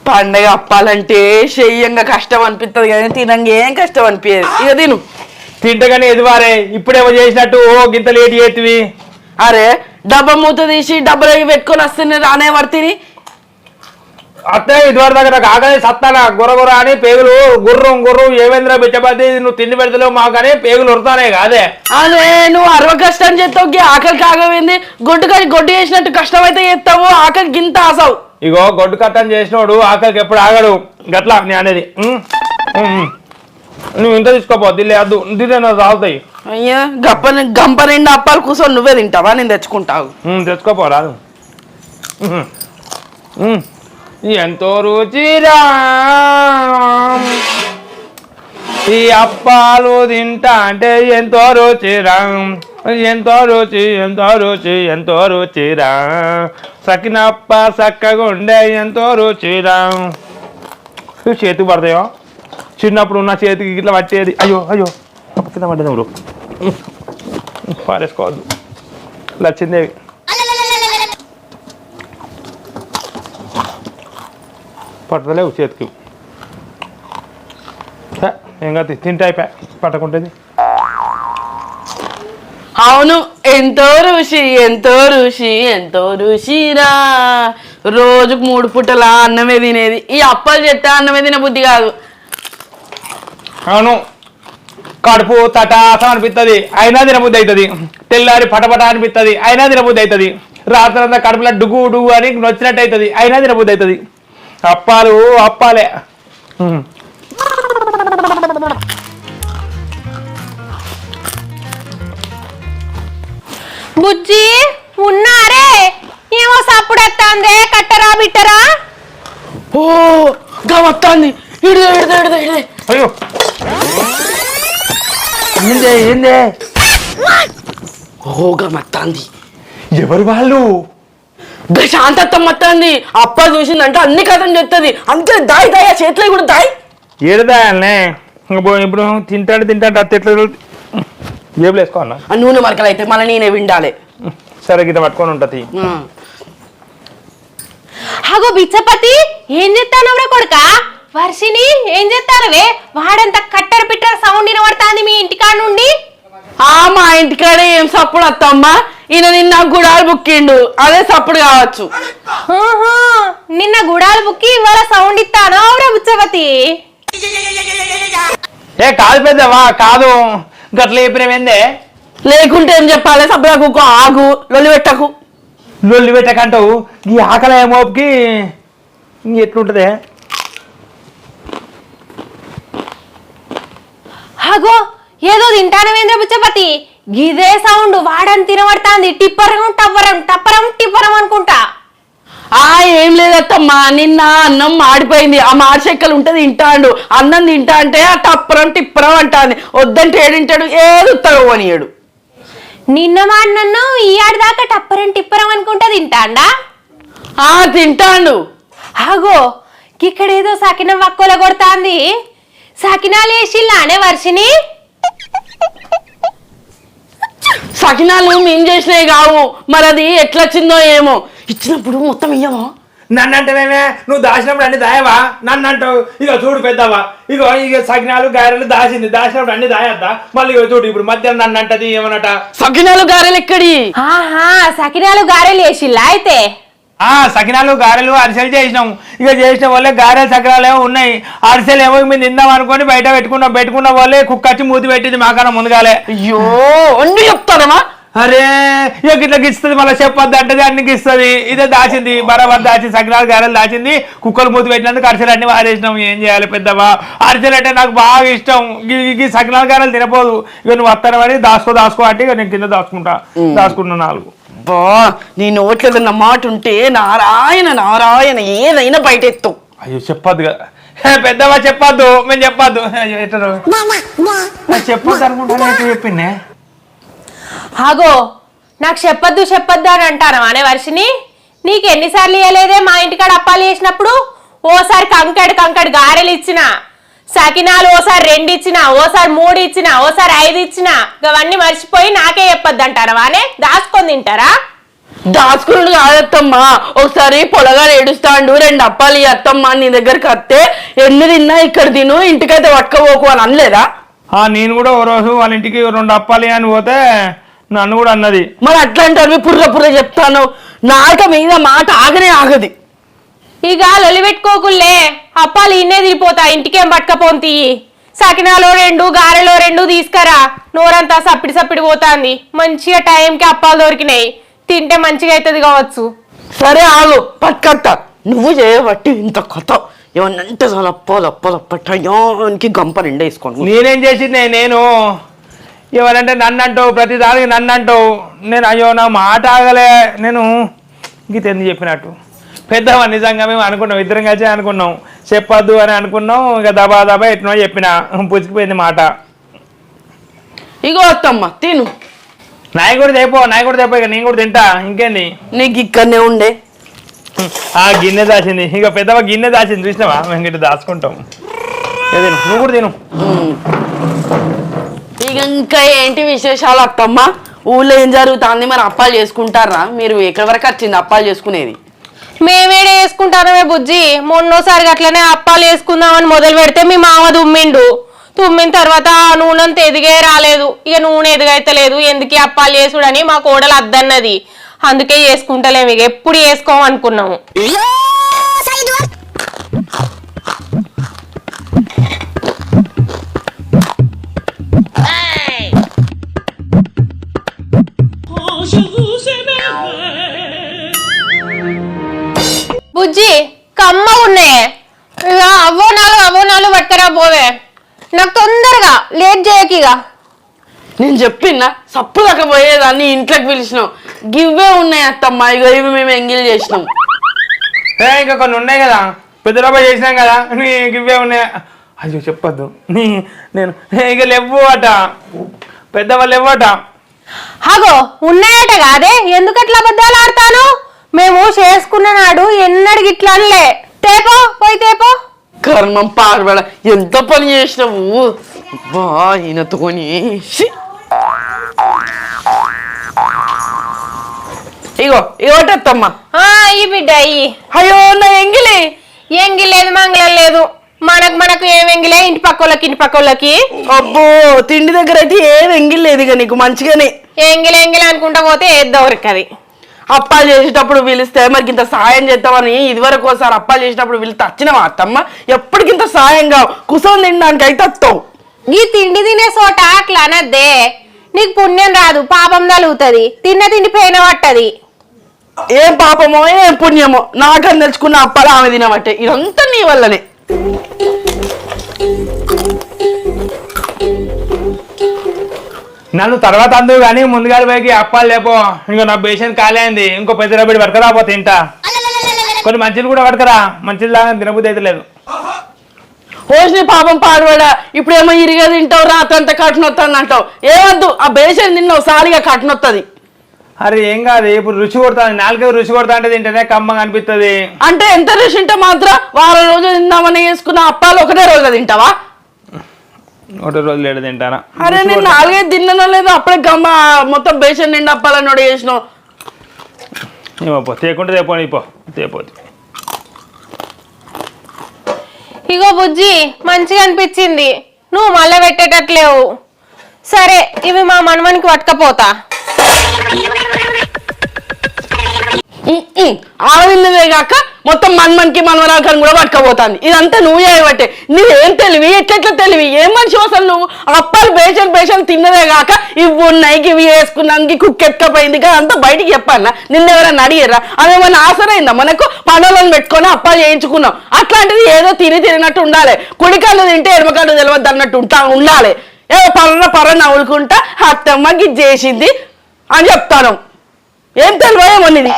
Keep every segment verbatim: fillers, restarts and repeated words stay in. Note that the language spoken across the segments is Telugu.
పండగ అప్పాలంటే చెయ్యంగా కష్టం అనిపిస్తుంది కానీ తినంగా ఏం కష్టం అనిపించదు. ఇక తిను తింటగానే ఎదువారే ఇప్పుడేమో చేసినట్టు ఓ గింత లేట్ చేతివి. అరే డబ్బా మూత తీసి డబ్బులు పెట్టుకొని వస్తుంది రానే పడితే అత్తే ఇదివరకు దగ్గర నాకు ఆకలి సత్తానా గుర్ర గుర్ర అని పేగులు గుర్రం గుర్రం ఏమేంద్ర బిచ్చబద్ది నువ్వు తిండి పెడతలేవు మాకని పేగులు ఉడతానే కాదే. అదే నువ్వు అరవ కష్టం చేస్తావు ఆకలికి ఆగమైంది గొడ్డు కానీ గొడ్డు చేసినట్టు కష్టం అయితే చేస్తావు ఆకలికి గింత ఆసావు. ఇగో గొడ్డు కట్టం చేసినోడు ఆకలికి ఎప్పుడు ఆగడు గట్లా నీ అనేది. నువ్వు ఇంత తీసుకోపో దిల్లే అద్దు దిల్లే తాగుతాయి. అయ్యా గప్ప గంప నిండా అప్పాలు కూర్చొని నువ్వే తింటావా నేను తెచ్చుకుంటావు. తెచ్చుకోపో రాదు. ఎంతో రుచిరా ఈ అప్పాలు తింటా అంటే ఎంతో రుచిరా ఎంతో రుచి ఎంతో రుచి ఎంతో రుచిరా సకినప్ప చక్కగా ఉండే ఎంతో రుచిరా. చేతికి పడతాయో చిన్నప్పుడు ఉన్న చేతికి ఇట్లా పట్టేది. అయ్యో అయ్యో కింద పడ్డది ఎవరు పారేసుకోవద్దు. లచ్చిందేవి పట్టలేవు చేతికి ఏం కాదు తింటే అయిపోయా పట్టకుంటుంది. అవును ఎంతో రుచి ఎంతో రుచి ఎంతో రుచిరా రోజుకు మూడు పూటల అన్నమే తినేది ఈ అప్పాలు చెప్తే అన్నమే తిన బుద్ధి కాదు. అవును కడుపు తటాసం అనిపిస్తుంది అయినా తినబుద్ధి అవుతుంది. తెల్లారి పటపట అనిపిస్తుంది అయినా తినబుద్ధి అవుతుంది. రాత్రి అంతా కడుపులో డుగు డుగు అని నొచ్చినట్టు అవుతుంది అయినా తినబుద్ధి అవుతుంది. అప్పాలు అప్పాలే. బుజ్జి ఉన్నారే ఏమో సప్పుడు ఎత్తాందే కట్టరా బిట్టరా. ఓ గమత్తాంది ఇడిదే ఇడిదే ఇడిదే ఇడిదే. అయ్యో ఏందే ఏందే ఓ గమత్తాంది. ఎవరు వాళ్ళు? శాంతత్వం మత్తాంది అప్ప చూసిందంటే అన్ని కథం చెప్తుంది అంతే దాయి దాయి చేతిలో కూడా దాయి ఏడదాయాలనే ఇప్పుడు తింటాడు తింటాడు అత్త ఎట్లా జేబులు వేసుకోవాలన్నా ఆ నూనె మరకలు అయితే మళ్ళీ నేనే విండాలి. సరే గిట్ట పట్టుకొని ఉంటుంది. అగో బిచ్చపతి ఏం చెప్తానవరా కొడుక వర్షిని ఏం చెప్తానవే వాడంత కట్టర పిట్టర సౌండ్ వినబడతాంది మీ ఇంటికాడ నుండి. ఆ మా ఇంటికాడే ఏం సప్పుడు అత్తమ్మా ఈయన నిన్న గుడాలు బుక్కిండు అదే సప్పుడు కావచ్చు. నిన్న గుడాలు బుక్కి ఇవాళ సౌండ్ ఇస్తాను అవురా బిచ్చపతి. ఏ కాదు పెద్దవా కాదు గట్ల చెప్పినవేందే. లేకుంటే ఏం చెప్పాలి సబ్బులా కుక్కో ఆగు లొల్లి పెట్టకు లొల్లి పెట్టకంటావు ఈ ఆకలి మోపుకి ఎట్లుంటదే. అగో ఏదో తింటానవేంద్ర బిచ్చపతి గిదే సౌండ్ వాడని తినబడతాంది టిప్పరం టప్పరం టప్పరం టిప్పరం అనుకుంటా. ఆ ఏం లేదత్తమ్మా నిన్న అన్నం మాడిపోయింది ఆ మాడి చెక్కలు ఉంటే తింటాడు అన్నం తింటా అంటే ఆ టప్పరం టిప్పరం అంటాంది వద్దంటే ఏడింటాడు ఏది ఉత్తగ పోనీయడు. నిన్న మాడినన్ను ఈ ఆడదాకా టప్పరం టిప్పరం అనుకుంటా తింటాండా. ఆ తింటాడు. ఆగో ఇక్కడేదో సకినం వక్కుల కొడతాంది సకినాలు వేసిల్లానే వర్షిని. సకినాలు మేము చేసినవి కావు మరి అది ఎట్లా వచ్చిందో ఏమో ఇచ్చినప్పుడు మొత్తం ఇయ్యమో. నన్ను అంటేనేమే నువ్వు దాచినప్పుడు అన్ని దాయవా నన్ను అంటావు. ఇక చూడు పెద్దవా ఇగో ఇక సకినాలు గారెలు దాచింది దాచినప్పుడు అన్ని దాయద్దా మళ్ళీ ఇక చూడు ఇప్పుడు మధ్యాహ్నం నన్ను అంటది ఏమన్నట. సకినాలు గారెలు ఎక్కడి? ఆహా సకినాలు గారెలు వేసిల్లా అయితే. ఆ సకినాలు గారెలు అరిసెలు చేసినాం ఇక చేసిన వాళ్ళే గారెలు సకినాలు ఏమో ఉన్నాయి అరిసెలు ఏమో మేము తిందాం అనుకోని బయట పెట్టుకున్నాం పెట్టుకున్న వాళ్ళే కుక్కచ్చి మూతి పెట్టింది మాకన్నా ముందుగాలే. అయ్యో అన్ని చెప్తారమ్మా. అరే ఇక ఇట్లా గిస్తుంది మళ్ళీ చెప్పొద్దు అంటది అన్ని గిస్తుంది ఇదే దాచింది బరాబర్ దాచింది సకినాలు గారెలు దాచింది కుక్కలు మూతి పెట్టినందుకు అరిసెలు అన్ని వారేసినాం. ఏం చేయాలి పెద్దవా అరిసెలు అంటే నాకు బాగా ఇష్టం ఈ సకినాలు గారెలు తినపోదు ఇక నువ్వు వస్తానని దాసుకో దాసుకో అంటే ఇక నేను కింద దాచుకుంటా దాచుకున్నా నాలుగు. బా నీ నోట్లేదన్న మాట ఉంటే నారాయణ నారాయణ ఏదైనా బయట ఎత్తు. అయ్యో చెప్పొద్దు కదా పెద్దవా చెప్పొద్దు మేము చెప్పొద్దు చెప్పొద్దు అనుకుంటా చెప్పిండే. ఆగో నాకు చెప్పొద్దు చెప్పొద్దు అని అంటాను అనే వర్షిని నీకు ఎన్నిసార్లు ఇవ్వలేదే మా ఇంటికాడ అప్పాలు చేసినప్పుడు. ఓసారి కంకడ్ కంకడ్ గారెలు ఇచ్చిన సకినాలు ఓసారి రెండు ఇచ్చిన ఓసారి మూడు ఇచ్చిన ఓసారి ఐదు ఇచ్చిన అవన్నీ మర్చిపోయి నాకే చెప్పొద్దు అంటారా వానే దాచుకొని తింటారా. దాచుకున్నాడు కాదత్తమ్మా. ఒకసారి పొలగా ఏడుస్తాండు, రెండు అప్పాలి అత్తమ్మ నీ దగ్గరికి వస్తే ఎన్ని తిన్నా ఇక్కడ తిను, ఇంటికైతే పట్టుకోపోకు అని అనలేదా? ఆ నేను కూడా ఓ రోజు వాళ్ళ ఇంటికి రెండు అప్పాలి అని పోతే నన్ను కూడా అన్నది. మరి అట్లాంటి పుర్ర పుర్ర చెప్తాను, నాక మీద మాట ఆగనే ఆగది. ఇక లొలి పెట్టుకోకుల్లే, అప్పాలు ఇన్నే తిరిపోతా, ఇంటికేం పట్టుకపోంతి. సకినాలో రెండు గారెలో రెండు తీసుకురా, నోరంతా సప్పిడి సప్పిడి పోతాంది. మంచిగా టైంకి అప్పాలు దొరికినాయి, తింటే మంచిగా అవుతుంది కావచ్చు. సరే ఆగు పట్టుకత్తా, నువ్వు చేయబట్టి ఇంత కొత్త ఏమన్నంటే చాలా అప్పాలు అప్పాలు అప్పటానికి గంప నిండా వేసుకోండి. నేనేం చేసింది, నేను ఎవరంటే నన్ను అంటావు, ప్రతి దానికి నన్ను అంటావు. నేను అయ్యో నా మాట ఆగలే, నేను గీత ఎందుకు చెప్పినట్టు పెద్దవా. నిజంగా మేము అనుకున్నాం, ఇద్దరం కలిసి అనుకున్నాం చెప్పొద్దు అని అనుకున్నాం. ఇక దబా దబా ఎట్నో చెప్పిన, పుచ్చిపోయింది మాట. ఇగో అత్తమ్మ తిను. నాయ కూడా తెపో, నాయ కూడా తెపో, ఇక నేను కూడా తింటా. ఇంకేంది నీకు ఇక్కడనే ఉండే ఆ గిన్నె దాచింది, ఇక పెద్దవా గిన్నె దాచింది చూసినావా, మేము గిట్ట దాచుకుంటాం. తిను, నువ్వు కూడా తిను. ఇక ఇంకా ఏంటి విశేషాలు అత్తమ్మ? ఊళ్ళో ఏం జరుగుతుంది? మరి అప్పాలు చేసుకుంటారా మీరు? ఎక్కడి వరకు వచ్చింది అప్పాలు చేసుకునేది? మేమేడే వేసుకుంటామే బుజ్జి. మొన్నోసారి అట్లనే అప్పాలు వేసుకుందామని మొదలు పెడితే మీ మామ తుమ్మిండు. తుమ్మిన తర్వాత నూనెంత ఎదిగే రాలేదు. ఇక నూనె ఎదుగైతలేదు, ఎందుకు అప్పాలు చేసుడని మా కోడలు అద్దన్నది. అందుకే చేసుకుంటలేము, ఇక ఎప్పుడు వేసుకోమనుకున్నాము. బుజ్జి కమ్మ ఉన్నాయే, ఇక అవో నాలుగు అవో నాలుగు పట్టుకరా పోవే. నాకు తొందరగా లేట్ చేయకిగా. నేను చెప్పినా సప్పు దాకా పోయేదాన్ని ఇంట్లోకి పిలిచినాం. గివ్వే ఉన్నాయి అత్తమ్మ, ఇగో ఇవి మేము ఎంగిల్ చేసినాం. ఏ ఇంకా కొన్ని ఉన్నాయి కదా, పెద్దలపై చేసినాం కదా, నీకు ఇవే ఉన్నాయి. అయ్యో చెప్పొద్దు, నీ నేను ఇక లేవు అట, పెద్దవాళ్ళు లేవట. అగో ఉన్నాయట కాదే, ఎందుకట్లా అబద్ధాలు ఆడతాను? మేము చేసుకున్న నాడు ఎన్నడికి ఇట్లా అనలే. తేపో పోయి తేపో. కర్మం పాడబడ, ఎంత పని చేసినావు బా ఈయనతోని. ఇగో ఇగోటత్తమ్మ. ఈ బిడ్డ అయ్యి. అయ్యో నా ఎంగిలి. ఎంగి లేదు మంగళం లేదు, మనకు మనకు ఏం ఎంగిలే, ఇంటి పక్కోళ్ళకి ఇంటి పక్కోళ్ళకి. అబ్బో తిండి దగ్గర అయితే ఏం ఎంగిల్ లేదు ఇక నీకు మంచిగానే. ఎంగిలి ఎంగిలి అనుకుంటా పోతే ఏద్దవరకది. అప్పాలు చేసేటప్పుడు పిలిస్తే మరి ఇంత సాయం చేద్దామని ఇదివరకు ఒకసారి అప్పాలు చేసేటప్పుడు పిలిస్తే వచ్చినవా అత్తమ్మ? ఎప్పటికింత సాయంగా కుసం తినడానికి అయితే వస్తావు. ఈ తిండి తినే చోట అట్లా అనద్దే, నీకు పుణ్యం రాదు, పాపం తలుగుతుంది. తిన్న తిండి పోయిన పట్టది. ఏం పాపమో ఏం పుణ్యమో, నాకని తెచ్చుకున్న అప్పాలు ఆమె తినబట్టే. ఇదంతా నీ వల్లనే. నన్ను తర్వాత అందుకు కానీ ముందుగా పోయి అప్పాలు లేపో. ఇంకో నా పేషెంట్ ఖాళీ అయింది, ఇంకో పెద్ద రబ్బడి పడకరాపో తింటా. కొన్ని మంచిలు కూడా పడకరా, మంచిలు లాగా తినబుద్ధి అయితే లేదు. పోసిన పాపం పాడవాడా, ఇప్పుడేమో ఇరిగా తింటావు, రాత్రంతా కట్టునొత్తాను అంటావు. ఏవద్దు, ఆ బేషన్ తిన్నావు సారిగా కట్టునొత్తది. అరే ఏం కాదు, ఇప్పుడు రుచి కొడతాను, నాలుగైదు రుచి కొడతా అంటే తింటేనే కమ్మగా అనిపిస్తుంది. అంటే ఎంత రుచి ఉంటే మాత్రం వారం రోజులు తిందామని వేసుకున్న అప్పాలు ఒకటే రోజు తింటావా? ఒకటే రోజు లేడు తింటానా? అరే నేను నాలుగైదు తిన్నానో లేదో, అప్పుడే గమ్మ మొత్తం బేషన్ నిండా అప్పాలని నోడి చేసినావు. ఏమో తేకుంటే తేపోని పో, తేపోతే. ఇగో బుజ్జి మంచిగా అనిపించింది, నువ్వు మళ్ళీ పెట్టేటట్లేవు. సరే ఇవి మా మనవనికి పట్టుకపోతా. ఆడవిన్నదే కాక మొత్తం మన్మన్కి మనవరాకని కూడా పట్టుకపోతాంది. ఇదంతా నువ్వు చేయబట్టే. నువ్వేం తెలివి, ఎట్లెట్లా తెలివి, ఏం మనిషి అసలు నువ్వు? అప్పాలు బేషన్ బేషన్ తిన్నదే కాక ఇవి ఉన్నాయి, ఇవి వేసుకున్నానికి కుక్క ఎత్తుకపోయింది కదా, అంతా బయటికి చెప్పాలా? నిన్నెవరన్నా అడిగారా? అదేమన్నా ఆసరైందా మనకు? పనులను పెట్టుకొని అప్పాలు చేయించుకున్నాం. అట్లాంటిది ఏదో తిని తిరిగినట్టు ఉండాలి. కుడికాళ్ళు తింటే ఎడమకాళ్ళు తెలియద్దు అన్నట్టు ఉంటా ఉండాలి. ఏ పర్ర పర్ర నవ్వులుకుంటా అత్తమ్మకి ఇది చేసింది అని చెప్తాను. ఏం తెలివేమో ఇది.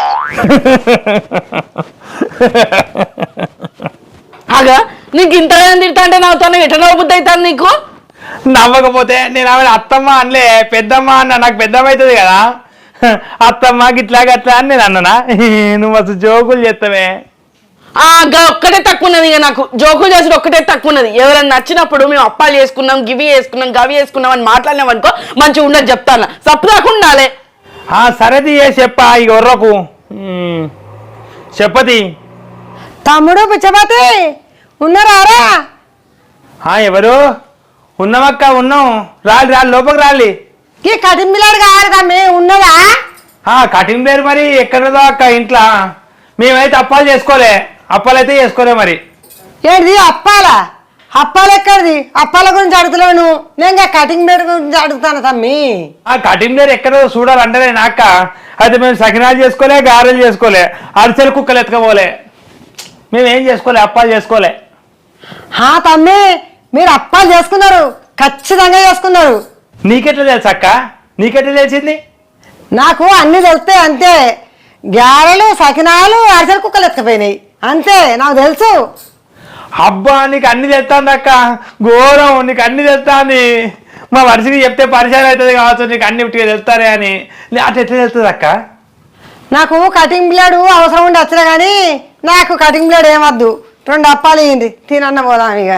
అగా నీకు ఇంత తింటా అంటే నవ్వుతాను, ఎట్లా నవ్వుబుద్ధి అవుతాను నీకు? నవ్వకపోతే నేను ఆమె అత్తమ్మ అనలే, పెద్దమ్మ అన్న. నాకు పెద్దమ్మ అవుతుంది కదా, అత్తమ్మ గిట్లా గట్లా అని నేను అన్ననా? నువ్వు అసలు జోకులు చేస్తావే. ఆ ఒక్కటే తక్కువ ఉన్నది. ఇక నాకు జోకులు చేసిన ఒక్కటే తక్కువ ఉన్నది. ఎవరైనా నచ్చినప్పుడు మేము అప్పాలు చేసుకున్నాం, గివి వేసుకున్నాం, గవి వేసుకున్నాం అని మాట్లాడినాం అనుకో మంచిగా ఉండదు చెప్తాను. సప్పు దాకా ఉండాలి. సరేది చెప్పా ఇక ఒర్రకు చెప్పది. తమ్ముడు పిచ్చపతి ఉన్నారా? ఎవరు? ఉన్నామక్క, ఉన్నాం. రాలి రాలి లోపలికి రాలి. ఈ కటింబిలాడు కావాలి తమ్మి, ఉన్నదా? కటింగ్ పేరు మరి ఎక్కడదో అక్క ఇంట్లో. మేమైతే అప్పాలు చేసుకోలే, అప్పాలు అయితే చేసుకోలే. మరి ఏంటిది అప్పాలా? అప్పాలు ఎక్కడిది? అప్పాల గురించి అడుగుతున్నాను నేను, కటింగ్ పేరు గురించి అడుగుతాను తమ్మి. ఆ కటింగ్ పేరు ఎక్కడో చూడాలంటే నాక అయితే మేము సకినాలు చేసుకోలే, గారెలు చేసుకోలే, అరిసెలు కుక్కలు ఎత్తుకపోలే. మేమేం చేసుకోలే, అప్పాలు చేసుకోలే. హా తమ్మి, మీరు అప్పాలు చేసుకున్నారు, ఖచ్చితంగా చేసుకున్నారు. నీకెట్లా తెలుసు అక్క? నీకెట్లా తెలిసింది? నాకు అన్ని తెలుస్తాయి అంతే. గారెలు, సకినాలు, అరిసెలు కుక్కలు ఎత్తుకపోయినాయి అంతే, నాకు తెలుసు. అబ్బా, నీకు అన్ని తెస్తాంది అక్క, ఘోరం. నీకు అన్ని తెస్తాంది. మా వరుసకి చెప్తే పరిచయం అవుతుంది కావచ్చు, నీకు అన్ని ఇట్టుగా తెలుస్తారే అని. అట్లా ఎట్లా తెలుస్తుంది అక్క? నాకు కటింగ్ బ్లేడు అవసరం ఉండి వచ్చినా కానీ నాకు కటింగ్ బ్లేడ్ ఏమద్దు. రెండు అప్పాలు ఇయ్యండి, తినన్న పోదాం ఇక.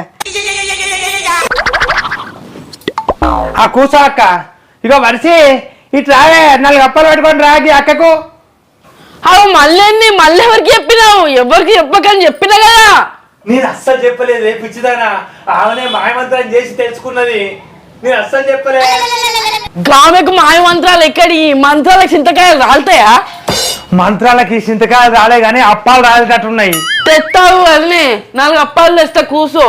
ఆ కూసా అక్క. ఇక వరిసి ఇట్లా నాలుగు అప్పాలు పెట్టుకొని రాగి అక్కకు. అవు మళ్ళీ మళ్ళీ ఎవరికి చెప్పినావు? ఎవరికి చెప్పకని చెప్పినా కదా. నేను అస్సలు చెప్పలేదు పిచ్చిదానా. ఆమెనే మాయమంత్రం చేసి తెలుసుకున్నది. నేను అస్సలు చెప్పలే. గామెకు మాయ మంత్రాలు ఎక్కడి? మంత్రాలకు చింతకాయలు రాలుతాయా? మంత్రాలకి చింతకాయలు రాలే గానీ అప్పాలు రాలేటట్టున్నాయి. తెస్తావు అన్నీ, నాలుగు అప్పాలు తెస్తా, కూసో.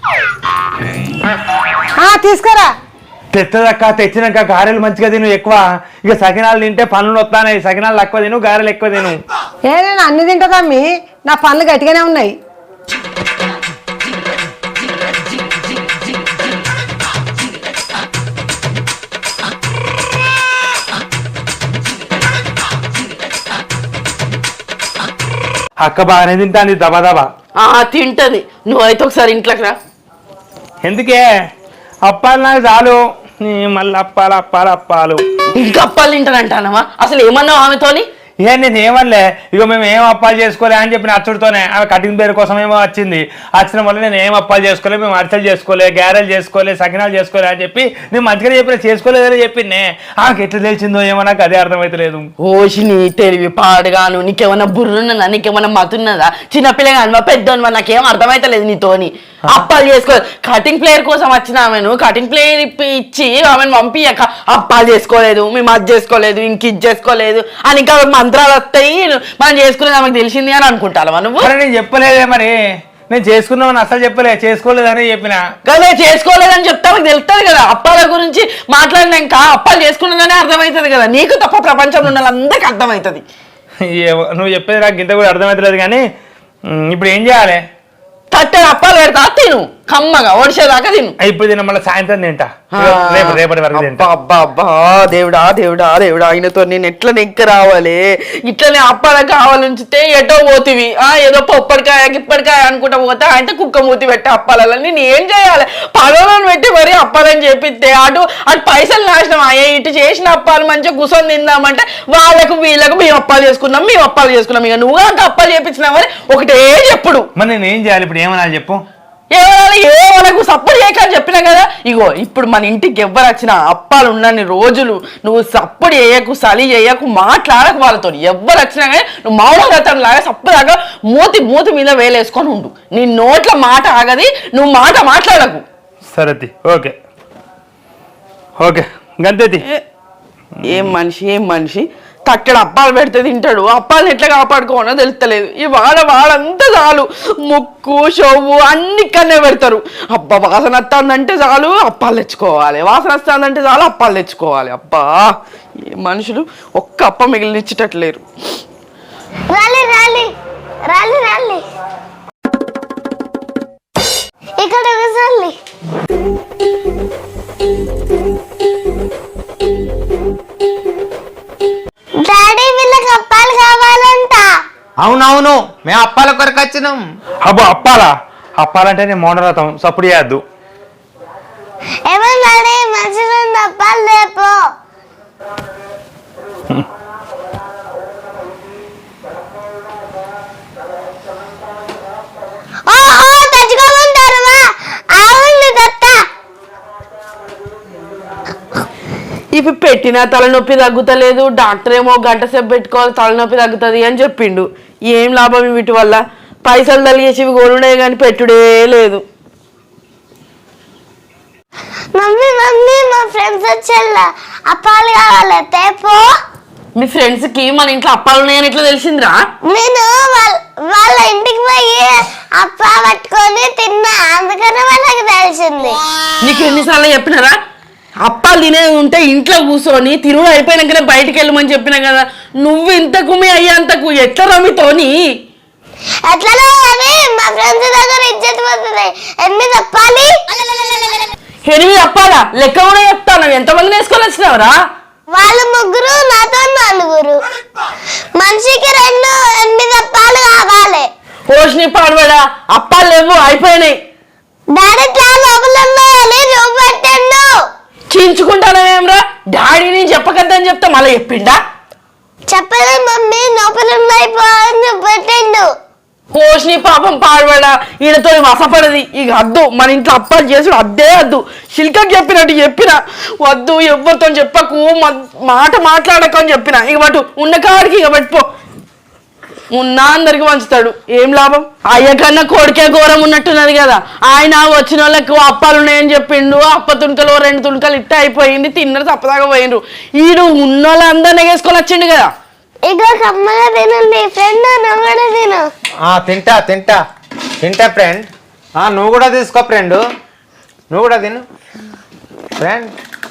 తీసుకురా. తెత్తదక్క. తెచ్చినాక గారెలు మంచిగా తిను ఎక్కువ. ఇక సకినాలు తింటే పనులు వస్తాయి. సకినాలు తక్కువ తిను, గారెలు ఎక్కువ తిను. ఏ నేను అన్ని తింటుందమ్మి, నా పనులు గట్టిగానే ఉన్నాయి. అక్క బాగానే తింటాంది దబా దబా. ఆ తింటది. నువ్వైతే ఒకసారి ఇంట్లోకి రా. ఎందుకే? అప్పాలు నాకు చాలు. మళ్ళీ అప్పాలు అప్పాలు అప్పాలు ఇంకా అప్పాలు తింటానంటానవా? అసలు ఏమన్నావు ఆమెతోని? ఏ నేను ఏమనలే. ఇక మేము ఏం అప్పాలు చేసుకోలే అని చెప్పిన అచ్చుడితోనే. ఆమె కటింగ్ పేరు కోసం ఏమో వచ్చింది. వచ్చిన వల్ల నేను ఏం అప్పాలు చేసుకోలే, మేము అరిసెలు చేసుకోలే, గారెలు చేసుకోలే, సకినాలు చేసుకోలే అని చెప్పి నేను మంచిగా చెప్పిన, చేసుకోలేదని చెప్పిందే. ఆమెకి ఎట్లా తెలిసిందో ఏమో నాకు అదే అర్థమైతలేదు. ఓషి నీ తెలివి పాడుగాను. నీకేమన్నా బుర్రున్నదా? నీకేమన్నా మతున్నదా? చిన్నపిల్లగా పెద్దోను నాకేం అర్థమైతలేదు నీతోని. అప్పాలు చేసుకో. కటింగ్ ప్లేయర్ కోసం వచ్చిన ఆమెను కటింగ్ ప్లేయర్ ఇచ్చి ఆమెను పంపియక అప్పాలు చేసుకోలేదు, మేము అది చేసుకోలేదు, ఇంక ఇది చేసుకోలేదు అని ఇంకా మంత్రాలు వస్తాయి, మనం చేసుకునేది ఆమెకు తెలిసింది అని అనుకుంటావా నువ్వు? నేను చెప్పలేదే. మరి నేను చేసుకున్నామని అసలు చెప్పలే, చేసుకోలేదని చెప్పిన కదా. చేసుకోలేదని చెప్తే ఆమెకు తెలుస్తుంది కదా. అప్పాల గురించి మాట్లాడినాక అప్పాలు చేసుకున్నదని అర్థమవుతుంది కదా. నీకు తప్ప ప్రపంచంలో ఉన్న అందరికి అర్థమవుతుంది. నువ్వు చెప్పేది నాకు ఇంత కూడా అర్థమవుతలేదు. కానీ ఇప్పుడు ఏం చేయాలి? తట్టెడు అప్పాలు పెడతా, తిను కమ్మగా, ఒడిసేదాకా తిను. ఇప్పుడు తిన మళ్ళీ సాయంత్రం తింటా, రేపు రేపటి వరకు తింటా. అబ్బా అబ్బా దేవుడా దేవుడా దేవుడా, ఆయనతో నేను ఎట్లా నెక్క రావాలి? ఇట్లనే అప్పాల కావాలంచితే ఎటో పోతివి. ఆ ఏదో పొప్పడికాయ గిప్పడికాయ అనుకుంటా పోతే ఆయనతో కుక్క మూతి పెట్టి అప్పాలని నేను ఏం చేయాలి? పగలను పెట్టి మరీ అప్పాలని చెప్పిస్తే అటు అటు పైసలు నాశనం అయ్యే. ఇటు చేసిన అప్పాలు మంచిగా కూర్చొని తిందామంటే వాళ్ళకు వీళ్ళకు మేము అప్పాలు చేసుకున్నాం, మేము అప్పాలు చేసుకున్నాం. ఇక నువ్వు అంత అప్పాలు చేపించినామని ఒకటే చెప్పుడు. మరి నేను ఏం చేయాలి ఇప్పుడు? ఏమన్నా చెప్పు. ఏమనాలి? ఏ మనకు సప్పుడు చేయకని చెప్పినా కదా. ఇగో ఇప్పుడు మన ఇంటికి ఎవ్వరు వచ్చినా అప్పాలు ఉన్నన్ని రోజులు నువ్వు సప్పుడు చేయకు, సలి చేయకు, మాట్లాడకు వాళ్ళతో. ఎవ్వరు వచ్చినా కానీ నువ్వు మౌనవ్రతం లాగా సప్పుదాకా మూతి మూతి మీద వేలేసుకొని ఉండు. నీ నోట్ల మాట ఆగది, నువ్వు మాట మాట్లాడకు. సరే ఓకే ఓకే గంతేతి. ఏం మనిషి ఏం మనిషి. తక్కడ అప్పాలు పెడితే తింటాడు, అప్పాలను ఎట్లా కాపాడుకోనో తెలుస్తలేదు. ఈ వాడ వాడంతా చాలు ముక్కు షొవ్వు అన్ని కన్నే పెడతారు. అబ్బా వాసన వస్తుందంటే చాలు అప్పాలు తెచ్చుకోవాలి, వాసన వస్తుందంటే చాలు అప్పాలు తెచ్చుకోవాలి. అబ్బా ఏ మనుషులు ఒక్క అప్ప మిగిలినిచ్చేటట్లేరు. ఇక్కడ డాడీ వీళ్ళకి అప్పాలు కావాలంట. అవునవును, మేము అప్పాల కొరకు వచ్చినాం. అబ్బో అప్పాలా? అప్పాలంటే నేను మౌనరథం, సప్పుడు చేయద్దు. ఏమన్నా మంచిగా అప్పాలు లేపో. ఓహో తెచ్చుకోమంటారమ్మా. అవును దత్త. ఈ ఇవి పెట్టినా తలనొప్పి తగ్గుతలేదు, డాక్టర్ ఏమో గంట సేపు పెట్టుకోవాలి తలనొప్పి తగ్గుతుంది అని చెప్పిండు. ఏం లాభం వీటి వల్ల? పైసలు తలిగేసి ఇవి కొనుడే కానీ పెట్టుడే లేదు. మమ్మీ మమ్మీ మా ఫ్రెండ్స్ వచ్చేలా అప్పాలు కావాలి తేపో. మీ ఫ్రెండ్స్ కి మన ఇంట్లో అప్పాలు ఉన్నాయని ఎట్లా తెలిసిందిరా? నేను వాళ్ళ వాళ్ళ ఇంటికి పోయి అప్ప పట్టుకొని తిన్నా, అందుకనే వాళ్ళకి తెలిసింది. నీకు ఎన్నిసార్లు చెప్పినారా అప్పాలు తినే ఉంటే ఇంట్లో కూర్చొని తిరుగు అయిపోయినాకనే బయటికి వెళ్ళమని చెప్పినా కదా. నువ్వు ఇంతకు మీ అయ్యేంతకు ఎట్లా రమితోని ఎట్లనో కానీ మా ఫ్రెండ్స్ దగ్గర ఇజ్జత్ పోతుంది. ఎనిమిది అప్పాలి. ఎనిమిది అప్పాలా? లెక్క కూడా చెప్తాను. ఎంతమందిని వేసుకొని వచ్చినావురా? వాళ్ళు ముగ్గురు, నాతో నలుగురు. మనిషికి రెండు ఎనిమిది అప్పాలు కావాలి. పోషణి పాడబడా అప్పాలు లేవు, అయిపోయినాయి. డాడీ ఇట్లా లోపల ఉన్నాయని రూమ్ పెట్టండు. చించుకుంటానేమ్రా? డాడీని చెప్పకద్దని చెప్తా మళ్ళీ చెప్పిండా? చెప్పలేదు మమ్మీ, లోపల ఉన్నాయి అని పెట్టండు. పోషణి పాపం పాడబడా ఈయనతో వసపడది. ఇక వద్దు, మన ఇంట్లో అప్పాలు చేసుడు అద్దే వద్దు. శిల్కకి చెప్పినట్టు చెప్పిన వద్దు, ఎవరితో చెప్పకు, మాట మాట్లాడకు అని చెప్పిన. ఇక పట్టు ఉన్న కాడికి ఇక పట్టుపో. ఉన్నా అందరికి పంచుతాడు, ఏం లాభం? అయ్య కన్నా కొడుకే ఘోరం ఉన్నట్టున్నది కదా. ఆయన వచ్చిన వాళ్ళకు అప్పాలు ఉన్నాయని చెప్పిండు, అప్ప తుణుకలు రెండు తుణుకలు ఇట్ట అయిపోయింది, తిన్నరు తప్పదాకా పోయిండ్రు. ఈడు ఉన్న వాళ్ళందరినీ వేసుకొని వచ్చిండు కదా. ఇగో కమ్మగా తినండి ఫ్రెండ్, నువ్వు కూడా తిను. తింటా తింటా తింటా ఫ్రెండ్. నువ్వు కూడా తీసుకో ఫ్రెండ్, నువ్వు కూడా తిను ఫ్రెండ్.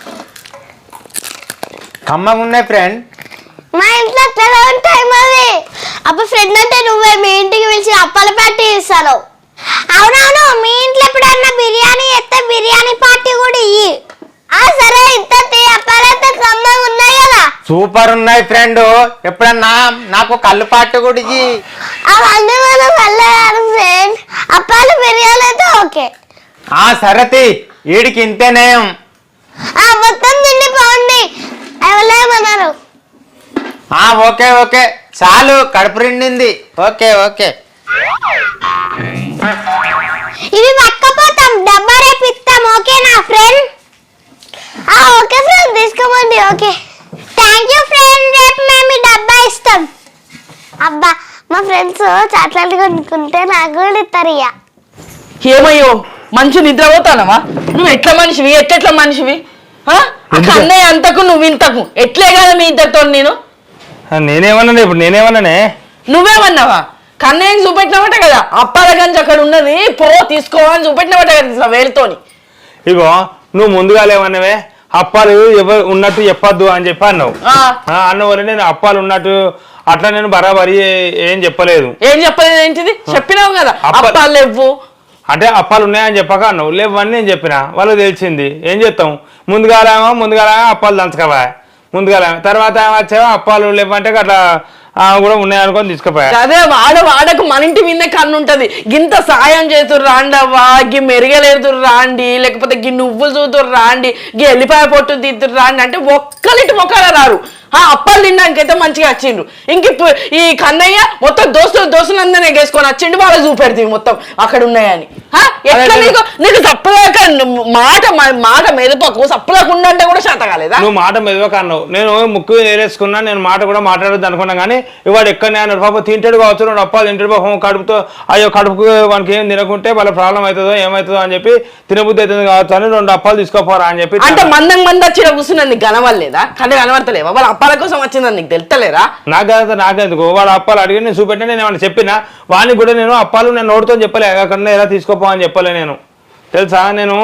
కమ్మగా ఉన్నాయి ఫ్రెండ్. మా ఇంట్లో అట్లా ఉంటాయి మరి. అప్పుడు ఫ్రెండ్ అంటే నువ్వే మీ ఇంటికి పిలిచి అప్పాల పార్టీ ఇస్తాను. అవునవును, మీ ఇంట్లో ఎప్పుడన్నా బిర్యానీ ఎత్తే బిర్యానీ పార్టీ కూడా ఇయ్యి. సరే ఇంత అప్పాలైతే కమ్మగా ఉన్నాయి కదా. సూపర్ ఉన్నాయి ఫ్రెండ్. ఎప్పుడన్నా నాకు కళ్ళు పాటు కూడా ఇయ్యి. అవన్నీ మనం వెళ్ళాలి ఫ్రెండ్. అప్పాలు బిర్యానీ అయితే ఓకే. సరతి వీడికి ఇంతేనేం. మొత్తం తిండి బాగుంది ఎవరేమన్నారు. ఓకే ఓకే చాలు, కడుపు నిండింది. ఓకే ఓకే ఇవి పక్కపోతాం, డబ్బా రేపు ఇస్తాం. ఓకేనా ఫ్రెండ్? ఓకే ఫ్రెండ్, తీసుకోమండి. ఓకే థ్యాంక్ యూ ఫ్రెండ్, రేపు మేము డబ్బా ఇస్తాం. అబ్బా మా ఫ్రెండ్స్ చాట్లాంటి కొనుక్కుంటే నాకు కూడా ఇస్తారు. ఇక ఏమయ్యో మంచి నిద్రపోతానవా? నువ్వు ఎట్లా మనిషివి, ఎట్లెట్లా మనిషివి? అన్నయ్య అంతకు నువ్వు ఇంతకు ఎట్లే కదా మీ ఇద్దరితో. నేను నేనేమన్నా ఇప్పుడు నేనేమన్నానే? నువ్వేమన్నావా? కన్నయ్యకి చూపెట్టినవట కదా అప్పాల గంజి అక్కడ ఉన్నది, పో తీసుకోవాలని చూపెట్టినవట కదా వేలుతోని. ఇగో నువ్వు ముందుగా లేవన్నవే అప్పాలు ఎవరు ఉన్నట్టు చెప్పొద్దు అని చెప్పి అన్నావు. అన్న వల్ల నేను అప్పాలు ఉన్నట్టు అట్లా నేను బరాబరి ఏం చెప్పలేదు. ఏం చెప్పలేదు ఏంటిది? చెప్పినావు కదా అప్పాలు లేవు అంటే అప్పాలు ఉన్నాయని చెప్పక అన్నావు. లేవని నేను చెప్పిన, వాళ్ళకి తెలిసింది. ఏం చేస్తాం? ముందుగాలేమో ముందుగాలేమో అప్పాలు దంచకపోయా, ముందుగాలే తర్వాత వచ్చావో అప్పాలు లేవంటే అట్లా కూడా ఉన్నాయనుకొని తీసుకుపోయా. అదే వాడ వాడకు మన ఇంటి విన్నే కన్ను ఉంటది. గింత సాయం చేతురు రాండవ్వా, గి మెరుగలేదురు రాండి, లేకపోతే గి నువ్వులు చూతురు రాండి, గి ఎల్లిపాయ పొట్టు తీతురు రాండి అంటే ఒక్కలింటి మొక్కగా రారు. ఆ అప్పాలు తినడానికైతే మంచిగా వచ్చిండ్రు. ఇంక ఈ కన్నయ్య మొత్తం దోస్తులు దోస్తులందరినీ వేసుకొని వచ్చిండు, వాళ్ళకి చూపెడుతుంది మొత్తం అక్కడ ఉన్నాయని. ఎట్లా నీకు నీకు తప్పలేక మాట మాట మెదపకు, సప్పలేకుండా అంటే కూడా శాత కాలేదా? నువ్వు మాట మెదపక అన్నావు, నేను ముక్కు ఏరేసుకున్నా, నేను మాట కూడా మాట్లాడద్దు అనుకున్నా. కానీ ఇవాడు ఎక్కడనే అన్నాడు పాప, తింటాడు కావచ్చు, రెండు అప్పాలు తింటాడు పాపం, కడుపుతో అయ్యో కడుపుకు మనకి ఏం తినకుంటే వాళ్ళ ప్రాబ్లం అవుతుందో ఏమవుతుందో అని చెప్పి తినబుద్ధి అవుతుంది కావచ్చు అని రెండు అప్పాలు తీసుకోపోరా అని చెప్పి. అంటే మందం మంది వచ్చి కూర్చున్నది నీకు కనవలేదా? కళ్ళు కనబడతలేవా? వాళ్ళ అప్పాల కోసం వచ్చిందని నీకు తెలుస్తలేరా? నాకు నాకెందుకు వాళ్ళ అప్పాలు అడిగి నేను చూపెట్టినా, నేను ఏమన్నా చెప్పినా వానికి కూడా నేను అప్పాలు నేను నోటితో చెప్పలే, అక్కడ ఎలా తీసుకోపో అని చెప్పలే నేను. తెలుసా నేను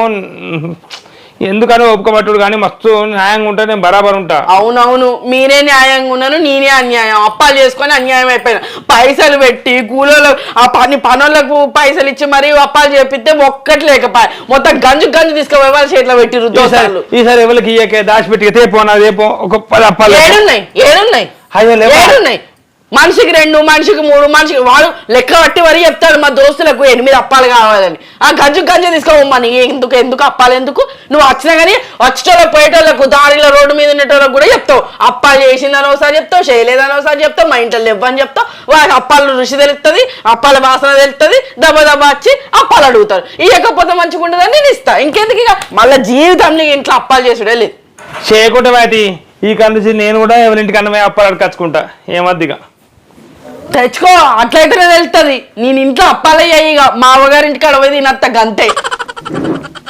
ఎందుకని ఒప్పుకోబట్టుడు, కానీ మస్తు న్యాయంగా ఉంటా, నేను బరాబర్ ఉంటా. అవునవును, మీరే న్యాయంగా ఉన్నాను, నేనే అన్యాయం. అప్పాలు చేసుకొని అన్యాయం అయిపోయినా. పైసలు పెట్టి కూలోళ్ళు ఆ పని పనులకు పైసలు ఇచ్చి మరి అప్పాలు చేపిస్తే ఒక్కటి లేకపోయా, మొత్తం గంజు గంజు తీసుకుపోయి వాళ్ళ చేతిలో పెట్టిరు దోసాలు. ఈసారి ఎవరికి ఇయ్యకే దాచిపెట్టి తేపో నా రేపో ఒక పది అప్పాలు. ఏడున్నాయి ఏడున్నాయి ఏడున్నాయి మనిషికి రెండు, మనిషికి మూడు, మనిషికి వాడు లెక్క పట్టి వరి చెప్తాడు మా దోస్తులకు ఎనిమిది అప్పాలు కావాలని. ఆ గంజు గంజు తీసుకోమని ఎందుకు ఎందుకు అప్పాలు ఎందుకు? నువ్వు వచ్చినా కానీ వచ్చేటోళ్ళకి పోయేటోళ్ళకు దారిలో రోడ్డు మీద ఉండేటోళ్ళకి కూడా చెప్తావు అప్పాలు చేసిందని ఒకసారి చెప్తావు, చేయలేదని ఒకసారి చెప్తావు, మా ఇంట్లో ఇవ్వని చెప్తావు. వాడికి అప్పాల రుచి తెలుస్తుంది, అప్పాల వాసన తెలుస్తుంది, దెబ్బ దెబ్బ వచ్చి అప్పాలు అడుగుతారు. ఇవ్వకపోతే మంచిగా ఉండదని నేను ఇస్తా. ఇంకెందుకు ఇక మళ్ళీ జీవితంలో ఇంట్లో అప్పాలు చేసుడే లేదు. చేయకుంటే వాటి ఈ కందిసి నేను కూడా ఎవరింటికి అన్నమే అప్పాలు అడకచ్చుకుంటా ఏమద్దిగా తెచ్చుకో, అట్లయితేనే తెలుస్తుంది. నేను ఇంట్లో అప్పాలే ఇక మా అవ్వగారింటికి అడవై తినత్త గంతే.